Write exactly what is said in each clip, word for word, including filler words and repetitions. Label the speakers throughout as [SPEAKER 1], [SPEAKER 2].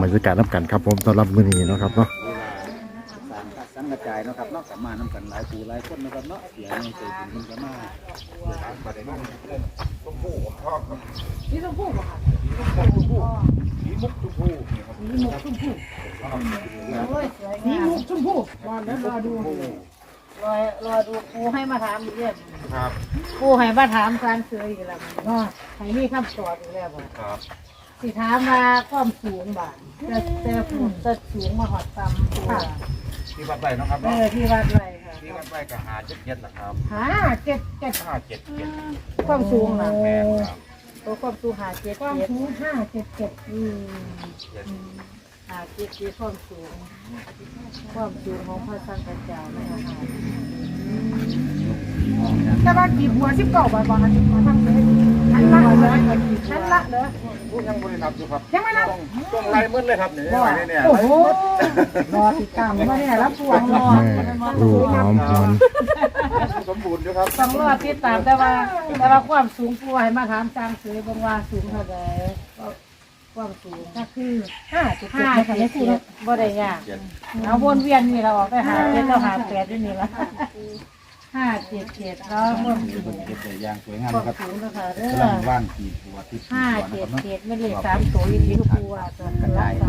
[SPEAKER 1] บรรยากาศน้ำกันครับผมสำหรับมื้อนี้เนาะครับเนาะ
[SPEAKER 2] สังกระจายเนาะครับเนาะกับมาน้ำกันหลายปูหลายคนนะครับเนาะเสียงใจถึงมันก็มานี่ต้องพูดป่ะครับนี่มุกชมพูนี่มุกชมพูนี่มุกชมพูนี่มุกชมพูรอแล้วรอดูรอรอดูปูให้มาถามอีกเรื่องครับปูให้มาถามการเสืออีกแล้วก็ให้มีคำตอบอีกแล้วครับสิถามว่าความสูงบ่าจะจะฝุ่นจะสูงมาหอดตำตัวที่วัดไรนะครับเออที่วัดไรค่ะที่วัดไรก็หาเจ็ดเจ็ดแหละครับหาเจ็ดเจ็ดห้าเจ็ดเจ็ดความสูงนะแม่ครับตัวความสูงหาเจ็ดความสูงห้าเจ็ดเจ็ดอืมหาเจ็ดเจ็ดความสูงความสูงของพระสังฆเจ้านะคะแต่ว่ากี่บัวสิบเก้าบาทบาทมาทำเลยชั้นละเลยชั้นละเลยยังไม่นับอยู่ครับยังไม่นับต้องไล่มืดเลยครับเนี่ยเนี่ยโอ้โหรอติดตามว่าเนี่ยรับพวงรอ
[SPEAKER 1] ดูหอมหอน
[SPEAKER 2] สมบูรณ์อยู่ครับต้องรอติดตามแต่ว่าแต่ว่าความสูงผู้ให้มาถามจางเสือบางว่าสูงเท่าไหร่ความสูงก็คือห้าจุดห้าเจ็ดเจ็ดบ่ได้ยากเอาวนเวียนนี่เราออกไปหาเจ็ดเราหาแปดนี่ละห้าเจ็ดเจ็ดแล้วความสูงเจ็ดแต่ยางสวยงามครับสูงนะคะเรื่องว่านขีดหัวที่ห้าเจ็ดเจ็ดไม่เลยสามตัวอีกทีทุกตัวตัวกระจาย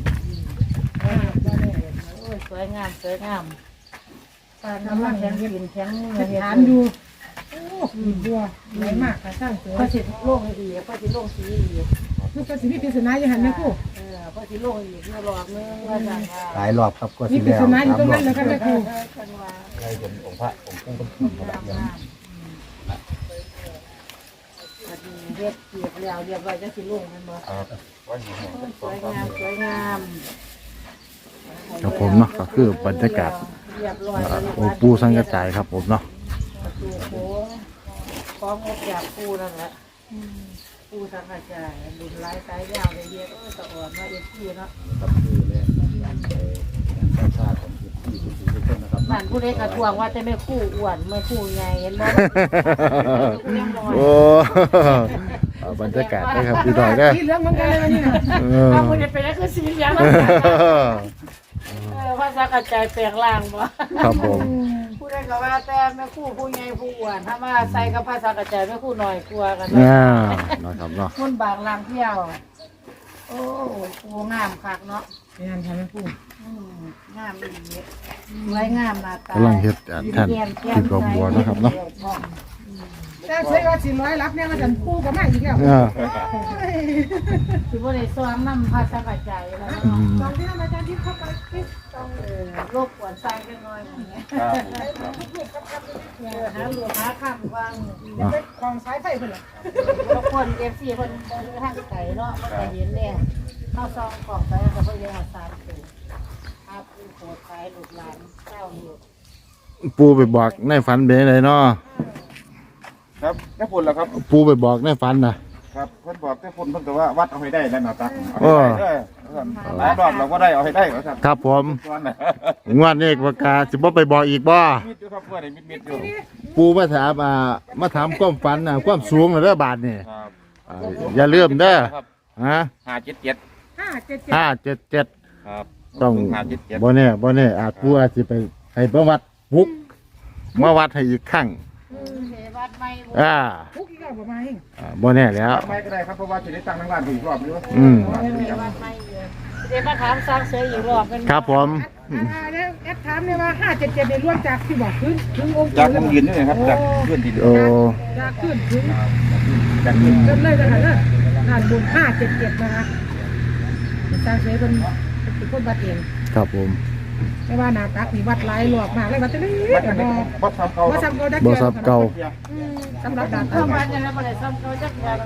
[SPEAKER 2] สวยงามสวยงามปลาน้ำมันแข็งกินแข็งทานดูโอ้ดีบัวใหญ่มากค่ะสร้างสวยพระสิทธิ์โล่งดีพระสิทธิ์โล่งสีดีลูกพระสิทธิ์พิพิธนาอย่างนั้นนะครูเออพระสิทธิ์โล่งดีเมื่อรอบเมื่อวันจันทร์
[SPEAKER 1] หลายรอบครับก็สิแล้ว
[SPEAKER 2] พิพิธนาอยู่ตรงนั้นเลยครับแม่ครู
[SPEAKER 1] ใครเป็นองค์พระองค์ปู่เป็นผู้รับเลี้ยง
[SPEAKER 2] เรียบเรียบแล้วเรียบร้อยจะสิโล่งกันบ่สวยงามสวยงาม
[SPEAKER 1] ครับผมเนาะก็คือบรรยากาศองค์ปู่สังกระจายครับผมเนาะ
[SPEAKER 2] ปูโค้งคล้องอกจากปูนั่นแหละปูสังกระจายดุนไร้สายยาวเลยเยอะก็ตะอ่อนมาเอ็ดที่เนาะบ้านผู้เล็กกระทวงว่าจะไม่คู่อ้วนไม่คู่ใหญ่เห็นไหม
[SPEAKER 1] โอ้บรรยากาศได้ครับพี่ดอยได้
[SPEAKER 2] สีเหลืองเหมือนกันเลยวันนี้นะเอาคนจะเป็นก็คือสีเหลืองแล้วภาษากระจายแปลงล่างบ่
[SPEAKER 1] ครับผม
[SPEAKER 2] ผู้ใดก็ว่าแต่แม่คู่ผู้ใหญ่ผู้อ้วนถ้ามาใส่กับภาษากระจายแม่คู่หน่อยกลัวกัน
[SPEAKER 1] นะนะครับเนาะ
[SPEAKER 2] คนบางลางเที่ยวโอ้ปูงามคักเนาะงามใช่ไหมปูงามดีไว้งามมาตาก
[SPEAKER 1] ำลังเฮ็ดท่านที่กบัวนะครับเนาะ
[SPEAKER 2] แต่ใช้ว่าสิร้อยรับเนี่ยมาจันปูก็ไม่อีกแล้วคือว่าในซ้อมน้ำภาษากระจายแล้วตอนที่ทำอาจารย์ที่เข้าไปต้องโรคปวดใจกันหน่อยอย่างเงี้ยหาหลวงหาข้ามวางของสายไฟเพื่อนทุกคนเอฟซีคนทางไก่เนาะมันจะเห็นเนี่ยเข้าซองกล่องไปแล้วก็เพื่อนสามตัวอาปูโขดขายหลุดหลานเจ้าหลุด
[SPEAKER 1] ปูไปบอกในฝันเป็นไรเนาะ
[SPEAKER 2] ครับแค่ฝุ่นแล้วครับ
[SPEAKER 1] ปูไปบอกในฝันนะครับ
[SPEAKER 2] เพิ่นบอกแค่ฝุ่นเพิ่นก็ว่าวัดเอาให้ได้แล้วนะตักเอาให้ได้หลายรอบเราก็ได้เอาให้ได้ครับ
[SPEAKER 1] ครับผมงวดนี้ประกาศสิบ่ไปบอกอีกบ่
[SPEAKER 2] มิดอยู่ครับเพื่อนมิดมิดอยู่
[SPEAKER 1] ปูมาถามอ่ามาถามความฝันน่ะความสูงเด้อบาทนี่อย่าลืมเด้อฮะ
[SPEAKER 2] ห้าเจ็ดเจ็ด
[SPEAKER 1] ห้าเจ็ดเจ็ดห้าเจ็ดเจ็ด
[SPEAKER 2] ครับ
[SPEAKER 1] ต้องบ่แน่บ่แน่อาจปูอาจสิไปให้ประวัติปุ๊กมาวัดให้อีกครั้งอ่า
[SPEAKER 2] ปุ๊กอีกแล้วบ่มาเอง
[SPEAKER 1] บ่แน่แล้ว
[SPEAKER 2] ไม่ก็ได้ครับเพราะว่าจะได้ตั้งทั้งร้านอีกรอบนึง
[SPEAKER 1] อืม
[SPEAKER 2] เดี๋ยวมาถามสร้างเสืออีกรอบเป็น
[SPEAKER 1] ครับผม
[SPEAKER 2] แล้วแอดถามเนี่ยว่าห้าเจ็ดเจ็ดเนี่ยล้วนจากที่บอกขึ้นถึงองค์จากองค์ยืนนี่ครับจากขึ้นดิน
[SPEAKER 1] โอ้
[SPEAKER 2] จากขึ้นถึงจากขึ้นเริ่มเลยนะคะเนี่ยผ่านบุญห้าเจ็ดเจ็ดนะคะสร้างเสือเป็นเป็นคนบัดเอง
[SPEAKER 1] ครับผม
[SPEAKER 2] ไม่ว่านาตักมีวัดหลายหลอกมากเลยวัดจะนี่วัดซ้ำเก่าวัดซ้ำเก่า
[SPEAKER 1] บ่ซ้ำเก่า
[SPEAKER 2] สำหรับด่านเข้ามาจะได้บ่ได้ซ้ำเก่าจักอย่าง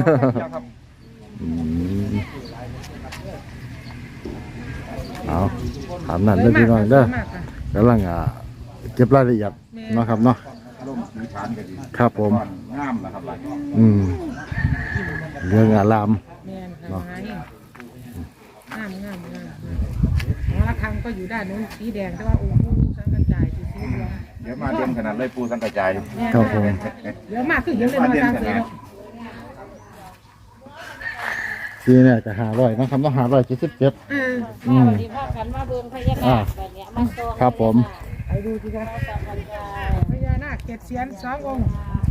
[SPEAKER 1] เอาถามนั่นเด้อพี่น้องเด้อกำลังอ่าเก็บรายละเอียดเนาะครับเนาะครับผม
[SPEAKER 2] งามนะครับ
[SPEAKER 1] อืมเรื่องอาราม
[SPEAKER 2] เนาะงามงามงามหอระฆังก็อยู่ด้านนู้นสีแดงแต่ว่าองค์ปู่สังกระจายสีสีเหลืองเดี๋ยวมาเด่นขนาดเลยปู่สังกระจาย
[SPEAKER 1] ครับผม
[SPEAKER 2] เดี๋ยวมากขึ้นเยอะเลยมาทางเสือ
[SPEAKER 1] สีซีเนี่ยจะหาร้อยนะครับต้องหาร้อยเจ็ดสิบเจ็ด
[SPEAKER 2] เออ
[SPEAKER 1] อืม
[SPEAKER 3] ที่พากันมาเบิ่งพญานาคแบบเนี้ยมาส่ง
[SPEAKER 1] ครับผม
[SPEAKER 2] ไปดูสิครับ
[SPEAKER 3] สัมพันธ์กัน
[SPEAKER 2] พญานาคเจ็ดเสียนสององค์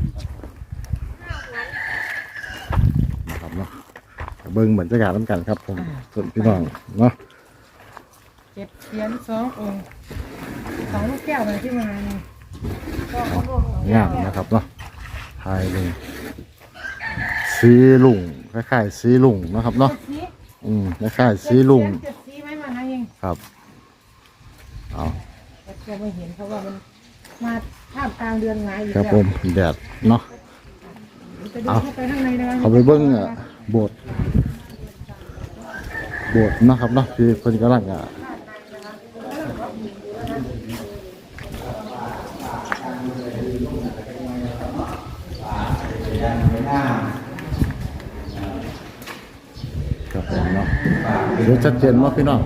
[SPEAKER 1] นะครับเนาะเบิ้งบรรยากาศน้ำกันครับผมส่วนพี่น้องเนาะ
[SPEAKER 2] เจ็ดเสียนสององค์สองลูกแก้วเลยที่มานี่
[SPEAKER 1] งามนะครับเนาะทายเลยสีลุงคล้ายๆสีลุงนะครับเนาะ
[SPEAKER 2] เจ็ดสี
[SPEAKER 1] อืมคล้ายๆสีลุง
[SPEAKER 2] เจ็ดสีไหมมาหาเอง
[SPEAKER 1] ครับเอา
[SPEAKER 2] แต่ก็ไม่เห็นเพราะว่ามันมาท่ามกลางเดือนไงอยู่
[SPEAKER 1] ครับ
[SPEAKER 2] แล้ว
[SPEAKER 1] ผมแดดเนาะ
[SPEAKER 2] ไปดูเข้าไปข้างในนะ
[SPEAKER 1] เขาไปเบิ้งอ่ะโบสถ์โบสถ์เนาะครับเนาะที่เพิ่นกำลังอ่ะครับผมเนาะเดี๋ยวชัดเจนว่าพี่น้อง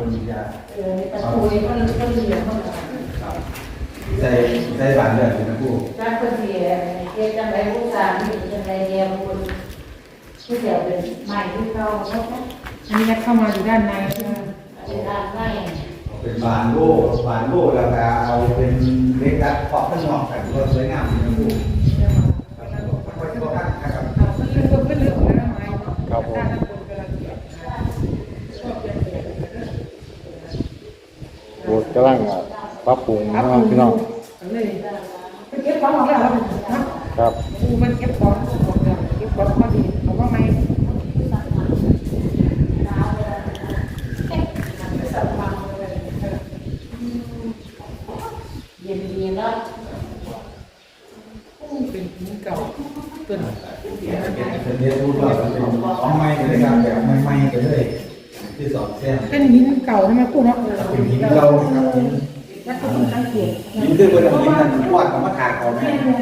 [SPEAKER 4] ใส่ใส่บานเลือดเป็นผู้
[SPEAKER 3] จ้าคนเดียวเฮ็ดจังไดผู้สามนี่จังไดเดียวคนผู้เดียวเป็นใหม่ที่เขาเนาะ
[SPEAKER 2] อันนี้เข้ามาอยู่ด้านใน
[SPEAKER 3] เป็นด้านใน
[SPEAKER 4] เป็นบานโล่บานโล่แล้วก็เอาเป็นเล็กดัดขอบข้างนอกกันก็สวยงามเป็นผู้ค่อยๆกันนะครับ
[SPEAKER 2] เรื่องก็เป็นเรื่องของน้ำไม้
[SPEAKER 1] ครับผมโบสถ์กำลังอ่ะปรับปรุงเนาะพี่น้อง
[SPEAKER 2] เลยไปเก็บของออกแล้วนะครับ ดูมันเก็บของออกแล้วเก็บของพอดีเอาว่าไหม
[SPEAKER 3] เย็นดีเนาะ
[SPEAKER 2] เป็นหินเก่าต้น
[SPEAKER 4] เป็นเรียนรู้ว่าเป็นของใหม่เลยครับแบบใหม่ๆไปเลยที่สอนแซม
[SPEAKER 2] เป็นหินเก่าใช่ไหมพูดเนาะ
[SPEAKER 4] เป็นหินเราครับหิน
[SPEAKER 2] แล้วก็ต้องสังเกต
[SPEAKER 4] หินคือเป็นหินนั่นวาดกับมะขามเขาแม่
[SPEAKER 3] ดี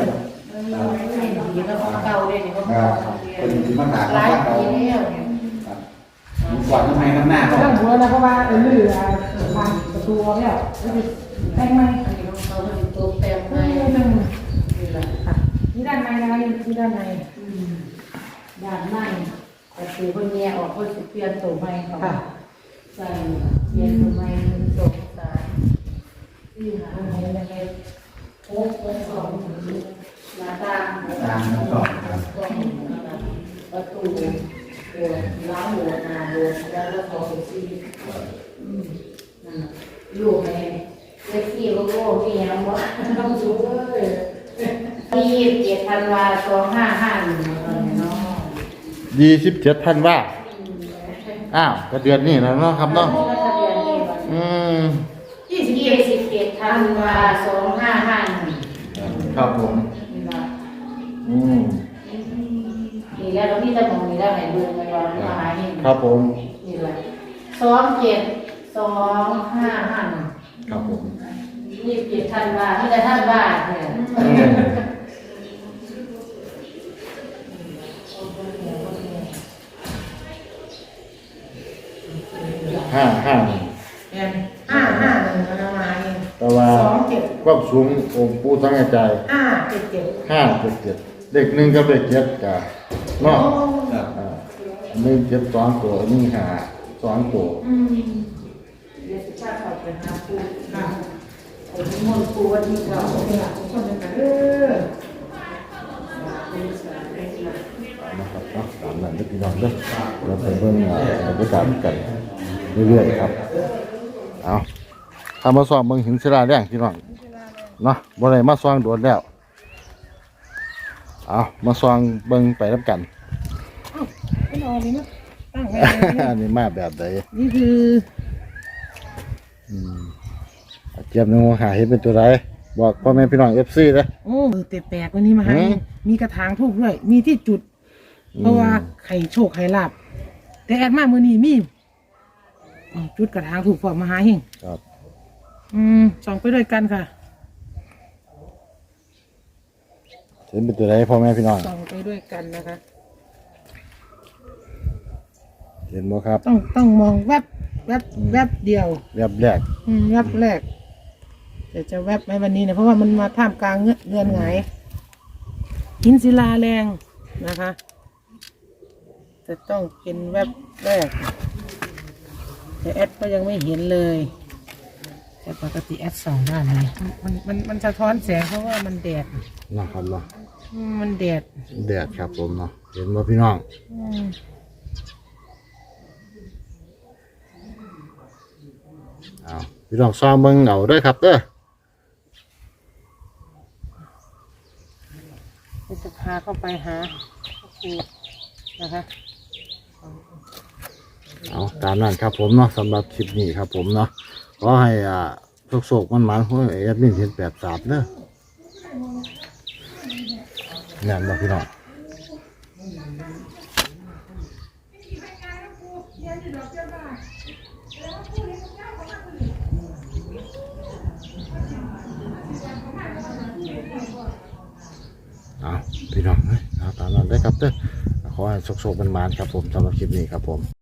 [SPEAKER 3] แล้วของเก่าด้วยนี่ของ
[SPEAKER 4] ครั
[SPEAKER 3] เก่า
[SPEAKER 4] บเป็นหินมะขาม
[SPEAKER 3] หลาย
[SPEAKER 4] เขา
[SPEAKER 3] ปีแล้วเนี่ย
[SPEAKER 4] หินกวาดน้ำมันน้ำหน้า
[SPEAKER 2] ไม่
[SPEAKER 4] เขา
[SPEAKER 2] ต้องหัวนะเพราะว่าเออลือทางประตูเนี่ยแต่งไหม
[SPEAKER 3] อันนี้ของเขาเป็นตัวแปลง
[SPEAKER 2] ไม่
[SPEAKER 3] ใหม่
[SPEAKER 2] ต้อง
[SPEAKER 3] นี่แหละ
[SPEAKER 2] นี่ด้านในนะคะนี่ด้านใน
[SPEAKER 3] อืมด้านในแต่คือคนแย่ออกคนสิเปลี่ยนตัวใหม่เขาใส่เปลี่ยนตัวใหม่หนึ่งสองสามสี่ห้าหกเจ็ดหกเจ็ดสองหน้าต่าง
[SPEAKER 4] ตามน้ำตกครับ
[SPEAKER 3] ประตูโบสถ์ล้างโบสถ์หน้าโบสถ์แล้วก็สองสี่อืมนั่นน่ะอยู่ในเซ็กซี่โลโก้มีอย่างวะต้องดูเลยที่ยี่สิบเจ็ดธันวาสองห้าห้าหนึ่งเนาะ
[SPEAKER 1] ยี่สิบเจ็ดท่านว่าอ้าวก็เดือนนี้แล้วเนาะครับเนาะ
[SPEAKER 3] ทะเบียนนี่วัน
[SPEAKER 1] อืม
[SPEAKER 3] ยี่สิบเจ็ดธันวาสองห้าห้าหนึ่ง
[SPEAKER 1] ครับผม
[SPEAKER 3] นี่ละ
[SPEAKER 1] อืม
[SPEAKER 3] นี่แล้วเราพี่จะมองนี่แล้วไหนดูไปก่อนมาหาเห็น
[SPEAKER 1] ครับผม
[SPEAKER 3] นี่แหละสองเจ็ดสองห้าห้าหนึ่ง
[SPEAKER 1] ครับผม
[SPEAKER 3] ยี่สิบเจ็ดธันวาที่จะท่านบ้านเนี่ย
[SPEAKER 1] ห้าห้า
[SPEAKER 2] เนี่ยห้าห้าหนึ่งนะมาเอง
[SPEAKER 1] แต่ว่า
[SPEAKER 2] สองเจ็ด
[SPEAKER 1] ความสูงองค์ปู่ทั้งใจ
[SPEAKER 2] ห้าเจ็ดเจ็ด
[SPEAKER 1] ห้าเจ็ดเจ็ดเด็กหนึ่งกับเด็กเจ็ดกับเนาะ
[SPEAKER 4] ครับ
[SPEAKER 1] อ่าหนึ่งเจ็ดสองตัวหนึ่งห้าสองตัว
[SPEAKER 2] อืม
[SPEAKER 3] เดี๋ยวจะพาเขาไปหาปู
[SPEAKER 2] ค่ะ
[SPEAKER 3] ไอ้ที่มนต์ปูวันที่เก่า
[SPEAKER 2] โอเคค่ะทุกคนเลยค่ะเออ
[SPEAKER 1] นะครับเนาะตามนั้นเด้อพี่น้องเด้อเราไปเบิ่งอ่าบรรยากาศกันเรื่อยๆครับเอาถ้ามาซ้อมเบิ่งหินศิลาแรงพี่น้องเนาะบ่ได้มาซ้อมโดนแล้วเอามาซ้อมเบิ่งไปนํกัน
[SPEAKER 2] ไม่นอนนี่มั้ยตั้งไว้
[SPEAKER 1] อันนี้มาแบบใด
[SPEAKER 2] นี่คือ
[SPEAKER 1] อืมเอาเจี๊ยบนึงหาเห็นเป็นตัวใดบอกพ่อแม่พี่น้อง เอฟ ซี เด้อ
[SPEAKER 2] โอ้เตะแปลกวันนี้มาให้
[SPEAKER 1] หืม
[SPEAKER 2] มีกระถางทูบด้วย มีที่จุด เพราะว่าไข่โชคไข่ลาบแต่แอดมาเมื่อนี้มีอ๋อจุดกระถางถูกฟอมมาหาเฮง
[SPEAKER 1] ครับ
[SPEAKER 2] อืมส่องไปด้วยกันค่ะ
[SPEAKER 1] เห็นเป็นตัวใดพ่อแม่พี่น้อง
[SPEAKER 2] ส่องไปด้วยกันนะคะ
[SPEAKER 1] เห็นบ่ครับ
[SPEAKER 2] ต้องต้องมองแวบแวบแวบเดียว
[SPEAKER 1] แบบแรก
[SPEAKER 2] อืมแวบแรกแต่จะแวบไหมวันนี้เนี่ยเพราะว่ามันมาท่ามกลางเงืเงือนหงายหินศิลาแรงนะคะจะต้องเป็นแวบแรกแต่แอดก็ยังไม่เห็นเลยแต่ปกติแอดสองด้านเลยมันมันมันสะท้อนแสงเพราะว่ามันแดด
[SPEAKER 1] นะครับเนาะ
[SPEAKER 2] อืมมันแดด
[SPEAKER 1] แดดครับผมเนาะเห็นบ่พี่น้อง
[SPEAKER 2] อืม
[SPEAKER 1] เอาพี่น้องซ้อมเบิ่งเอาเด้อครับเด้อ
[SPEAKER 2] จะพาเข้าไปหาครูนะคะ
[SPEAKER 1] เอาตามนั้นครับผมเนาะสำหรับคลิปนี้ครับผมเนาะขอให้อ่าโศกๆมันมันๆเพราะแอดมินเห็นแปดสามเด้อแน่นบ่พี่น้องเอาพี่น้องเอ้ยเอาตามนั้นได้อครับเด้อขอให้โศกๆมันมันๆครับผมสำหรับคลิปนี้ครับผม